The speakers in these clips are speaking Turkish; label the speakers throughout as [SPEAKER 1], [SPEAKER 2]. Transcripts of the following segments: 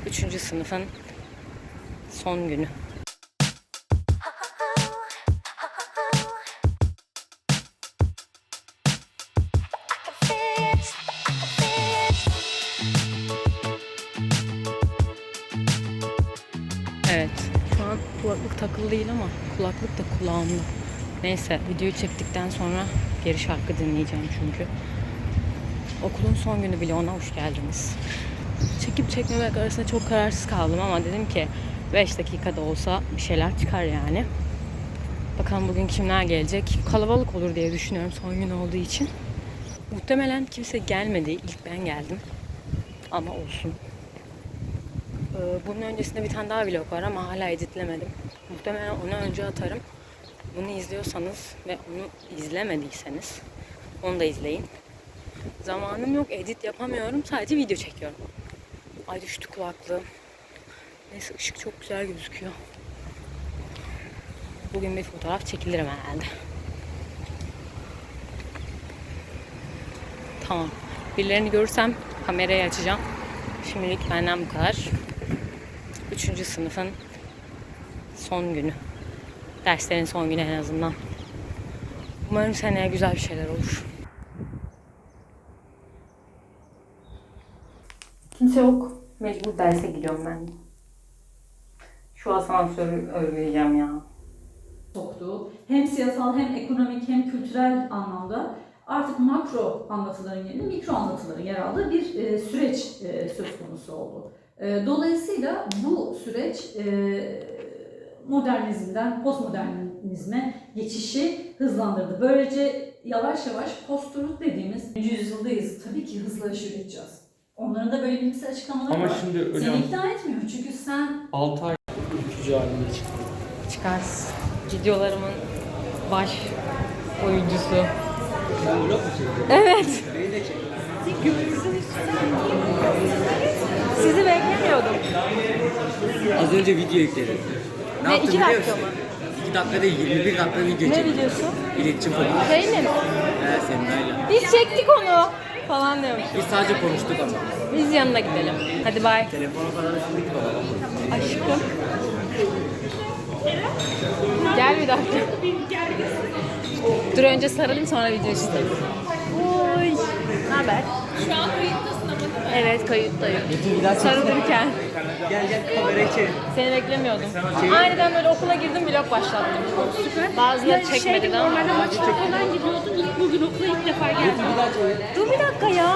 [SPEAKER 1] 3. sınıfın son günü. Evet, şu an kulaklık takılı değil ama kulaklık da kulağımda. Neyse, videoyu çektikten sonra geri şarkı dinleyeceğim çünkü. Okulun son günü bile, ona hoş geldiniz. Çekip çekmemek arasında çok kararsız kaldım ama dedim ki 5 dakikada olsa bir şeyler çıkar yani. Bakalım bugün kimler gelecek. Kalabalık olur diye düşünüyorum son gün olduğu için. Muhtemelen kimse gelmedi. İlk ben geldim. Ama olsun. Bunun öncesinde bir tane daha vlog var ama hala editlemedim. Muhtemelen onu önce atarım. Bunu izliyorsanız ve onu izlemediyseniz onu da izleyin. Zamanım yok, edit yapamıyorum. Sadece video çekiyorum. Ay düştü kulaklığım. Neyse, ışık çok güzel gözüküyor. Bugün bir fotoğraf çekilirim herhalde. Tamam. Birilerini görürsem kamerayı açacağım. Şimdilik benden bu kadar. 3. sınıfın son günü. Derslerin son günü en azından. Umarım seneye güzel bir şeyler olur. Kimse yok. Mecbur derse gidiyorum ben. Şu asansörü örgüleyeceğim ya.
[SPEAKER 2] Soktuğu hem siyasal hem ekonomik hem kültürel anlamda artık makro anlatıların yerine mikro anlatıların yer aldığı bir süreç söz konusu oldu. Dolayısıyla bu süreç modernizmden postmodernizme geçişi hızlandırdı. Böylece yavaş yavaş post-truth dediğimiz yüzyıldayız. Tabii ki hızla aşırı gideceğiz. Onların da böyle bilimsel açıklamaları
[SPEAKER 3] ama
[SPEAKER 2] var.
[SPEAKER 3] Şimdi öyle
[SPEAKER 2] Seni ikna etmiyor çünkü sen
[SPEAKER 3] 6 ay ülkücü halinde çıktı.
[SPEAKER 1] Çıkars. Videolarımın baş oyuncusu.
[SPEAKER 3] Ben vlog mu çekiyorum?
[SPEAKER 1] Evet.
[SPEAKER 3] Beni de çek.
[SPEAKER 1] Sizi beklemiyordum.
[SPEAKER 3] Az önce video yükledim. Ne
[SPEAKER 1] Ne,
[SPEAKER 3] yaptım
[SPEAKER 1] 2
[SPEAKER 3] biliyor
[SPEAKER 1] dakika
[SPEAKER 3] musun?
[SPEAKER 1] mı?
[SPEAKER 3] 2 dakika değil, 21 dakika video
[SPEAKER 1] Ne
[SPEAKER 3] çektim.
[SPEAKER 1] videosu?
[SPEAKER 3] İletişim fakültesi.
[SPEAKER 1] Şey mi?
[SPEAKER 3] Semra'yla.
[SPEAKER 1] Biz çektik onu falan diyormuş.
[SPEAKER 3] Biz sadece konuştuk ama.
[SPEAKER 1] Biz yanına gidelim. Hadi bay.
[SPEAKER 3] Telefona kadar üşüdük baba.
[SPEAKER 1] Aşkım. Gel bir dakika. Dur önce sarılayım sonra video istedim. Oy. Ne haber?
[SPEAKER 4] Şu an kayıttasın ama değil mi?
[SPEAKER 1] Evet, kayıttayım.
[SPEAKER 3] Bir daha
[SPEAKER 1] Sarılırken.
[SPEAKER 3] Gel kamerayı çevir.
[SPEAKER 1] Seni beklemiyordum. Aniden böyle okula girdim, vlog başlattım.
[SPEAKER 4] Süper.
[SPEAKER 1] Bazıları çekmedi ama.
[SPEAKER 4] Normalde maçlara falan gidiyordun. İlk bugün okula ilk defa geldin.
[SPEAKER 1] Dur bir dakika ya.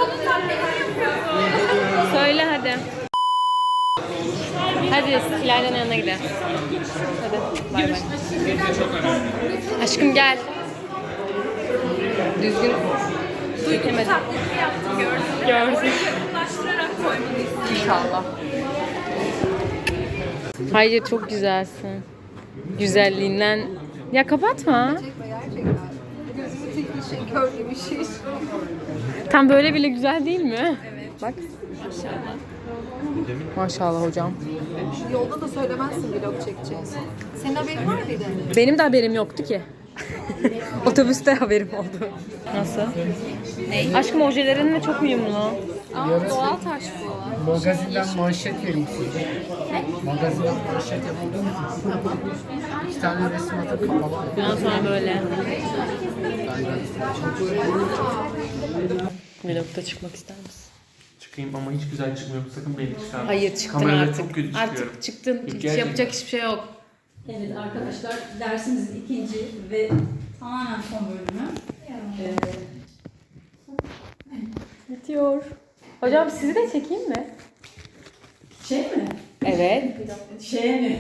[SPEAKER 1] Söyle hadi. Hadi İlayda'nın yanına gidelim. Hadi bay bay. Aşkım gel. Düzgün çekemedim.
[SPEAKER 4] Taklidi yaptım gördüm.
[SPEAKER 1] Gördüm.
[SPEAKER 4] Yakınlaştırarak koymanı istedim.
[SPEAKER 1] İnşallah. Hayır, çok güzelsin. Güzelliğinden. Ya kapatma.
[SPEAKER 5] Gerçekten. Gözümü tek bir şey, kör gibi bir şey.
[SPEAKER 1] Tam böyle bile güzel değil mi? Evet. Bak. Maşallah hocam.
[SPEAKER 5] Yolda da söylemezsin vlog çekeceğiz. Senin haberin var mıydı?
[SPEAKER 1] Benim de haberim yoktu ki. Otobüste haberim oldu. Nasıl? Ne? Aşkım ojelerinle çok uyumlu.
[SPEAKER 5] Aa, doğal taş bu.
[SPEAKER 6] Magazinden manşet vereyim size. Magazinden manşet yapalım. 2 tane resim atıp kapalı.
[SPEAKER 1] Bundan sonra böyle. Vlogda çıkmak ister misin?
[SPEAKER 3] Çıkayım ama hiç güzel çıkmıyorum. Sakın beni çıkarma.
[SPEAKER 1] Hayır, çıktın
[SPEAKER 3] Kamerada
[SPEAKER 1] artık.
[SPEAKER 3] çok kötü çıkıyorum.
[SPEAKER 1] Artık çıktın. Hiç
[SPEAKER 3] Gerçekten.
[SPEAKER 1] yapacak hiçbir şey yok.
[SPEAKER 2] Evet arkadaşlar, dersimizin ikinci ve tamamen son bölümü.
[SPEAKER 1] Bitiyor. Hocam sizi de çekeyim mi?
[SPEAKER 2] Şey mi?
[SPEAKER 1] Evet.
[SPEAKER 2] Şeye mi?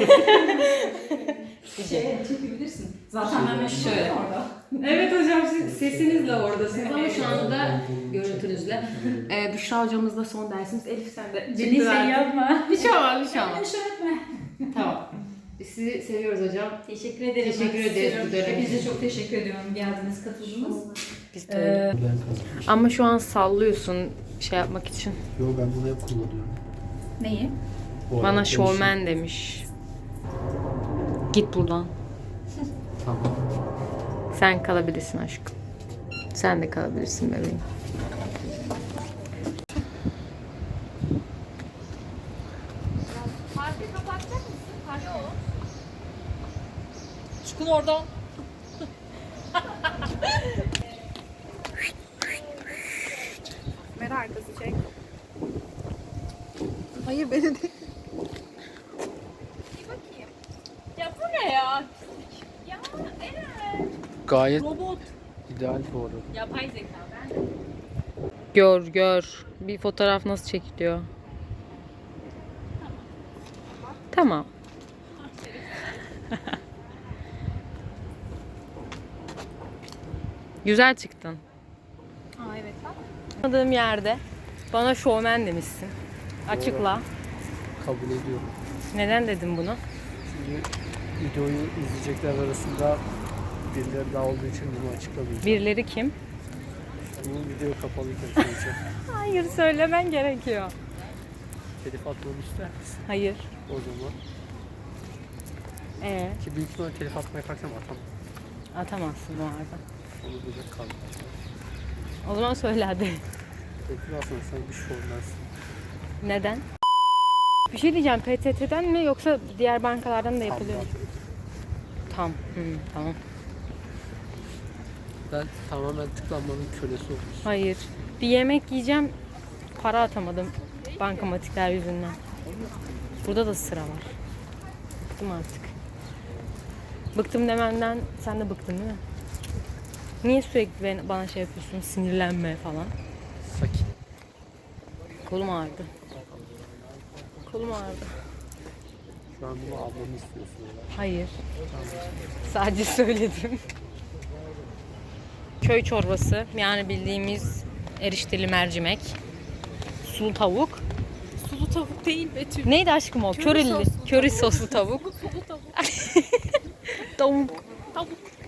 [SPEAKER 2] Şeye çekebilirsin. Zaten ben şöyle orada.
[SPEAKER 1] Evet hocam, siz sesinizle oradasınız ama şu anda görüntünüzle. Büşra hocamızla son dersimiz. Elif sen de.
[SPEAKER 2] Beni şey yapma.
[SPEAKER 1] Bir şey olmaz, bir şey olmaz.
[SPEAKER 2] Beni şöyle etme.
[SPEAKER 1] Tamam. Sizi seviyoruz hocam.
[SPEAKER 2] Teşekkür ederim.
[SPEAKER 1] Teşekkür
[SPEAKER 2] Ben
[SPEAKER 1] ederiz
[SPEAKER 2] size
[SPEAKER 1] bu dönem
[SPEAKER 2] Hepinize
[SPEAKER 1] için.
[SPEAKER 2] çok teşekkür ediyorum. Geldiniz, katıldınız.
[SPEAKER 1] Biz de öyle. Ama şu an sallıyorsun şey yapmak için.
[SPEAKER 6] Yo, ben bunu hep kullanıyorum.
[SPEAKER 2] Neyi?
[SPEAKER 6] Bu
[SPEAKER 1] Bana
[SPEAKER 6] arada
[SPEAKER 1] şovmen demiş. Git buradan.
[SPEAKER 6] Tamam.
[SPEAKER 1] Sen kalabilirsin aşkım. Sen de kalabilirsin bebeğim.
[SPEAKER 2] Çıkın oradan.
[SPEAKER 5] Kamera arkası çek. Hayır beni değil.
[SPEAKER 4] Ya bu ne ya? Ya Eren.
[SPEAKER 6] Gayet ideal bu arada.
[SPEAKER 4] Yapay zeka ben.
[SPEAKER 1] Gör. Bir fotoğraf nasıl çekiliyor? Tamam. Güzel çıktın.
[SPEAKER 5] Aa evet bak.
[SPEAKER 1] Tanıdığım yerde bana şovmen demişsin. Açıkla.
[SPEAKER 6] Kabul ediyorum.
[SPEAKER 1] Neden dedim bunu?
[SPEAKER 6] Şimdi videoyu izleyecekler arasında birileri daha olduğu için bunu açıklamayacağım.
[SPEAKER 1] Birileri kim?
[SPEAKER 6] Bu video kapalıyken söyleyeceğim.
[SPEAKER 1] Hayır, söylemen gerekiyor.
[SPEAKER 6] Telif atmamı ister misin?
[SPEAKER 1] Hayır.
[SPEAKER 6] O zaman. Ki büyük ihtimalle telif atmaya kalksam atamam.
[SPEAKER 1] Atamazsın bu arada.
[SPEAKER 6] Onu böyle kaldı.
[SPEAKER 1] O zaman söyle hadi.
[SPEAKER 6] Telif aslında sen bir şovmensin.
[SPEAKER 1] Neden? Bir şey diyeceğim. PTT'den mi yoksa diğer bankalardan da yapılıyor mu? Tamam.
[SPEAKER 6] Ben tamamen tıklanmanın kölesi olmuşum.
[SPEAKER 1] Hayır. Bir yemek yiyeceğim. Para atamadım. Bankamatikler yüzünden. Burada da sıra var. Bıktım artık. Bıktım demenden sen de bıktın değil mi? Niye sürekli bana şey yapıyorsun? Sinirlenme falan.
[SPEAKER 6] Sakin.
[SPEAKER 1] Kolum ağrıdı.
[SPEAKER 6] Şu an bunu almamı istiyorsun.
[SPEAKER 1] Hayır. Sadece söyledim. Köy çorbası. Yani bildiğimiz erişteli mercimek. Sulu tavuk.
[SPEAKER 4] Sulu tavuk değil Betül.
[SPEAKER 1] Neydi aşkım o? Körili. Köri soslu tavuk.
[SPEAKER 4] Sulu tavuk.
[SPEAKER 1] Tavuk.
[SPEAKER 4] Tavuk.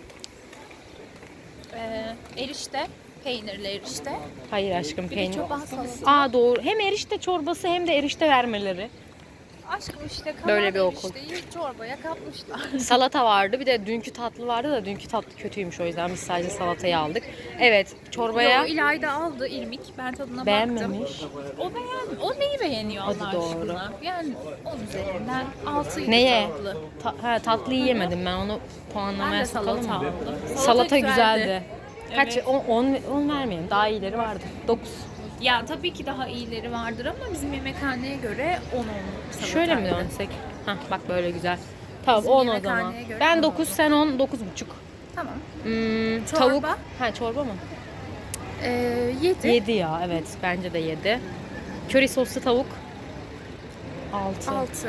[SPEAKER 4] Erişte. Peynirli erişte.
[SPEAKER 1] Hayır aşkım,
[SPEAKER 4] Bir de
[SPEAKER 1] peynir.
[SPEAKER 4] çoban salatası.
[SPEAKER 1] Aa doğru. Hem erişte çorbası hem de erişte vermeleri.
[SPEAKER 4] Aşkım işte kalan
[SPEAKER 1] Böyle bir okul.
[SPEAKER 4] erişteyi çorbaya katmışlar.
[SPEAKER 1] Salata vardı. Bir de dünkü tatlı vardı da dünkü tatlı kötüymüş, o yüzden biz sadece salatayı aldık. Evet, çorbaya
[SPEAKER 4] Yo, İlayda aldı irmik. Ben tadına baktım.
[SPEAKER 1] beğenmemiş.
[SPEAKER 4] O neyi beğeniyor Allah
[SPEAKER 1] Hadi doğru.
[SPEAKER 4] aşkına? Yani 10 üzerinden 6'ydı
[SPEAKER 1] Neye?
[SPEAKER 4] tatlı.
[SPEAKER 1] Tatlıyı yemedim ben, onu
[SPEAKER 4] Ben
[SPEAKER 1] puanlamaya
[SPEAKER 4] de
[SPEAKER 1] sokalım
[SPEAKER 4] salata
[SPEAKER 1] mı?
[SPEAKER 4] aldım.
[SPEAKER 1] Salata güzeldi. Kaç?
[SPEAKER 4] Evet.
[SPEAKER 1] 10 vermeyelim. Daha iyileri vardı. 9.
[SPEAKER 4] Ya tabii ki daha iyileri vardır ama bizim yemekhaneye göre 10 salataydı.
[SPEAKER 1] Şöyle mi dönsek? Hah bak böyle güzel. Tamam
[SPEAKER 4] Bizim
[SPEAKER 1] 10 o zaman.
[SPEAKER 4] yemekhaneye göre
[SPEAKER 1] Ben
[SPEAKER 4] 10
[SPEAKER 1] 9, sen 10, 9,5.
[SPEAKER 4] Tamam.
[SPEAKER 1] Tavuk.
[SPEAKER 4] Çorba?
[SPEAKER 1] Ha çorba mı?
[SPEAKER 4] 7.
[SPEAKER 1] 7 ya, evet bence de 7. Köri soslu tavuk 6.
[SPEAKER 4] 6.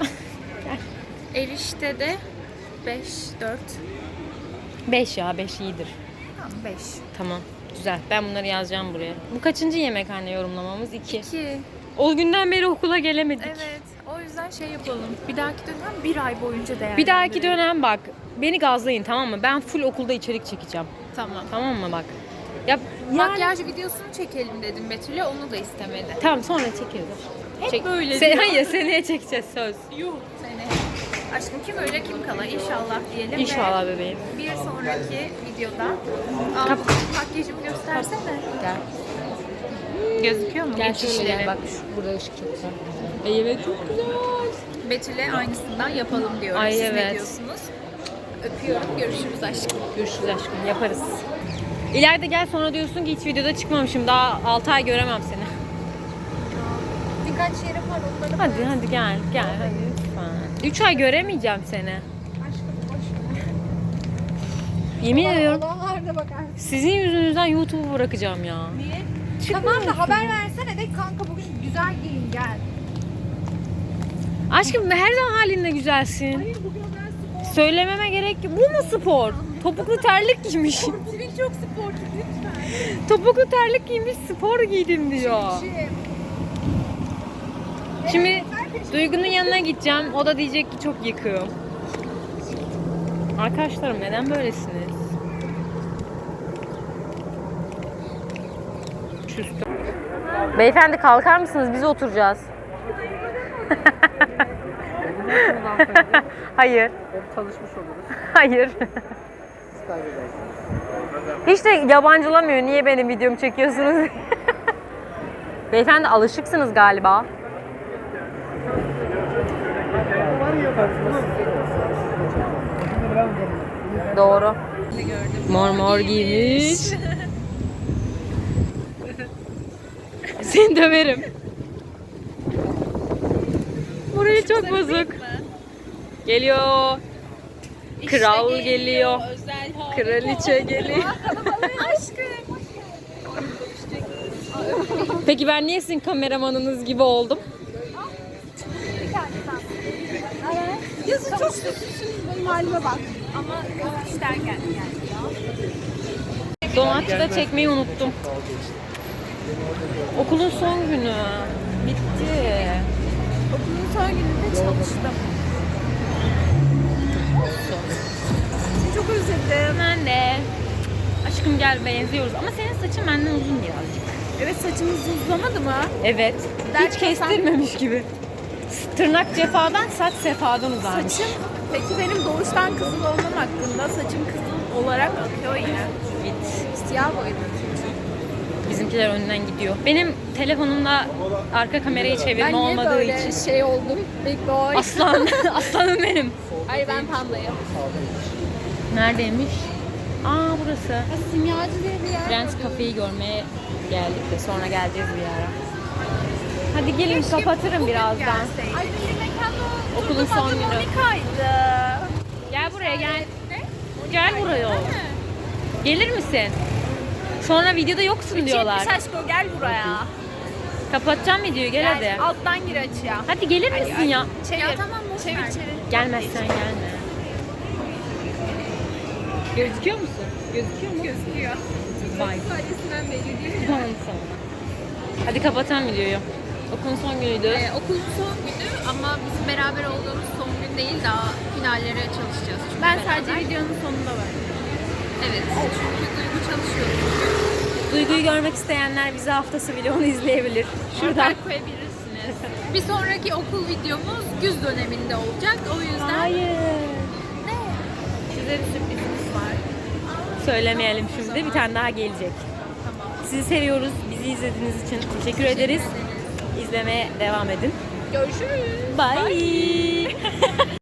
[SPEAKER 4] Erişte de 5, 4.
[SPEAKER 1] 5 ya, 5 iyidir.
[SPEAKER 4] Tamam 5.
[SPEAKER 1] Tamam. Güzel. Ben bunları yazacağım buraya. Bu kaçıncı yemekhane yorumlamamız? 2.
[SPEAKER 4] 2.
[SPEAKER 1] O günden beri okula gelemedik.
[SPEAKER 4] Evet. O yüzden şey yapalım. Bir dahaki dönem 1 ay boyunca değerlendirelim.
[SPEAKER 1] Bir dahaki dönem bak. Beni gazlayın, tamam mı? Ben full okulda içerik çekeceğim.
[SPEAKER 4] Tamam.
[SPEAKER 1] Tamam mı bak? Ya yani...
[SPEAKER 4] Makyaj videosunu çekelim dedim Betül'e. Onu da istemedi.
[SPEAKER 1] Tamam, sonra çekeriz.
[SPEAKER 4] Hep böyle diyor.
[SPEAKER 1] Hayır, seneye çekeceğiz, söz.
[SPEAKER 4] Yuh seni. Aşkım kim öyle kim kala inşallah diyelim.
[SPEAKER 1] İnşallah
[SPEAKER 4] ve
[SPEAKER 1] bebeğim.
[SPEAKER 4] bir sonraki videoda makyajımı göstersene.
[SPEAKER 1] Gel.
[SPEAKER 4] Gözüküyor mu?
[SPEAKER 1] Gel
[SPEAKER 4] İç
[SPEAKER 1] şöyle
[SPEAKER 4] işleri.
[SPEAKER 1] gel. Bak burada ışık çok güzel. Evet çok güzel.
[SPEAKER 4] Betül'e aynısından yapalım diyorum.
[SPEAKER 1] Ay,
[SPEAKER 4] Siz
[SPEAKER 1] evet.
[SPEAKER 4] ne diyorsunuz? Öpüyorum. Görüşürüz aşkım.
[SPEAKER 1] Görüşürüz aşkım, yaparız. İleride gel, sonra diyorsun ki hiç videoda çıkmamışım. Daha 6 ay göremem seni.
[SPEAKER 5] Birkaç yere var onları.
[SPEAKER 1] Hadi gel hadi lütfen. 3 ay göremeyeceğim seni.
[SPEAKER 5] Aşkım boş ver.
[SPEAKER 1] Yemin ediyorum
[SPEAKER 5] Olanlarda bakar.
[SPEAKER 1] sizin yüzünüzden YouTube'u bırakacağım ya.
[SPEAKER 5] Niye? Tamam da haber versene de kanka bugün güzel giyin gel.
[SPEAKER 1] Aşkım her zaman halinde güzelsin.
[SPEAKER 5] Hayır bugün ben spor.
[SPEAKER 1] Söylememe gerek yok. Bu mu spor? Topuklu terlik giymiş.
[SPEAKER 5] Senin çok sporcu lütfen.
[SPEAKER 1] Topuklu terlik giymiş, spor giydim diyor. Şimdi Duygu'nun yanına gideceğim. O da diyecek ki çok yıkığım. Arkadaşlarım neden böylesiniz? Küstüm. Beyefendi kalkar mısınız? Biz oturacağız. Hayır.
[SPEAKER 6] Hep tanışmış oluruz.
[SPEAKER 1] Hayır. Hiç de yabancılamıyor. Niye benim videomu çekiyorsunuz? Beyefendi alışıksınız galiba. Doğru. Mor mor giymiş. Seni döverim. Burayı çok bozuk. Geliyor. Kral geliyor. Kraliçe geliyor. Peki ben niye sizin kameramanınız gibi oldum?
[SPEAKER 4] Yazın çok sessizsiniz, benim halime bak. Ama işten geldi yani.
[SPEAKER 1] Donatçıda çekmeyi unuttum. Okulun son günü. Bitti.
[SPEAKER 4] Okulun son gününde çalıştım. Seni çok özledim.
[SPEAKER 1] Ben de. Aşkım gel benziyoruz ama senin saçın benden uzun birazcık.
[SPEAKER 4] Evet, saçımız uzamadı mı?
[SPEAKER 1] Evet.
[SPEAKER 4] Derken
[SPEAKER 1] Hiç kestirmemiş gibi. Tırnak cefadan, saç sefadan uzarmış.
[SPEAKER 4] Saçım, peki benim doğuştan kızıl olmam hakkında saçım kızıl olarak akıyor yine.
[SPEAKER 1] Git.
[SPEAKER 4] Siyah boyadım çünkü.
[SPEAKER 1] Bizimkiler önden gidiyor. Benim telefonumda arka kamerayı çevirme
[SPEAKER 4] Ben niye
[SPEAKER 1] olmadığı
[SPEAKER 4] böyle
[SPEAKER 1] için.
[SPEAKER 4] şey oldum? Big boy.
[SPEAKER 1] Aslan, aslanım benim.
[SPEAKER 4] Hayır, ben pandayım.
[SPEAKER 1] Neredeymiş? Aa burası.
[SPEAKER 4] Simyacı diye bir yer.
[SPEAKER 1] Friends Cafe'yi görmeye geldik de sonra geleceğiz bir ara. Hadi gelin kapatırım birazdan.
[SPEAKER 4] Ay bir mekanda
[SPEAKER 1] Okulun son günü.
[SPEAKER 4] Monika'ydı.
[SPEAKER 1] Gel buraya gel.
[SPEAKER 4] Ne?
[SPEAKER 1] Gel buraya. Gelir misin? Sonra videoda yoksun diyorlar.
[SPEAKER 4] Çekmiş aşkım, gel buraya.
[SPEAKER 1] Kapatacağım videoyu gel hadi.
[SPEAKER 4] Alttan gir açıya.
[SPEAKER 1] Hadi gelir misin ya?
[SPEAKER 4] Çevir. Ya tamam, çevir çevir.
[SPEAKER 1] Gelmezsen gelme. Gözüküyor musun? Gözüküyor mu?
[SPEAKER 4] Gözüküyor.
[SPEAKER 1] Bye.
[SPEAKER 4] Sadesinden belli değil mi?
[SPEAKER 1] Tamam sonra. Hadi kapatalım videoyu. Okulun son günüydü.
[SPEAKER 7] Okulun son günü ama bizim beraber olduğumuz son gün değil, daha finallere çalışacağız. Çünkü
[SPEAKER 4] Ben
[SPEAKER 7] beraber.
[SPEAKER 4] sadece videonun sonunda varım.
[SPEAKER 7] Evet, çünkü Duygu çalışıyor.
[SPEAKER 1] Duyguyu görmek isteyenler bize haftası vlogunu izleyebilir. Şuradan.
[SPEAKER 7] Şuradan koyabilirsiniz. Bir sonraki okul videomuz güz döneminde olacak. O yüzden
[SPEAKER 1] Hayır.
[SPEAKER 7] size bir sürprizimiz var.
[SPEAKER 1] Söylemeyelim şimdi. Bir tane daha gelecek. Sizi seviyoruz. Bizi izlediğiniz için teşekkür ederiz. İzlemeye devam edin.
[SPEAKER 7] Görüşürüz.
[SPEAKER 1] Bye.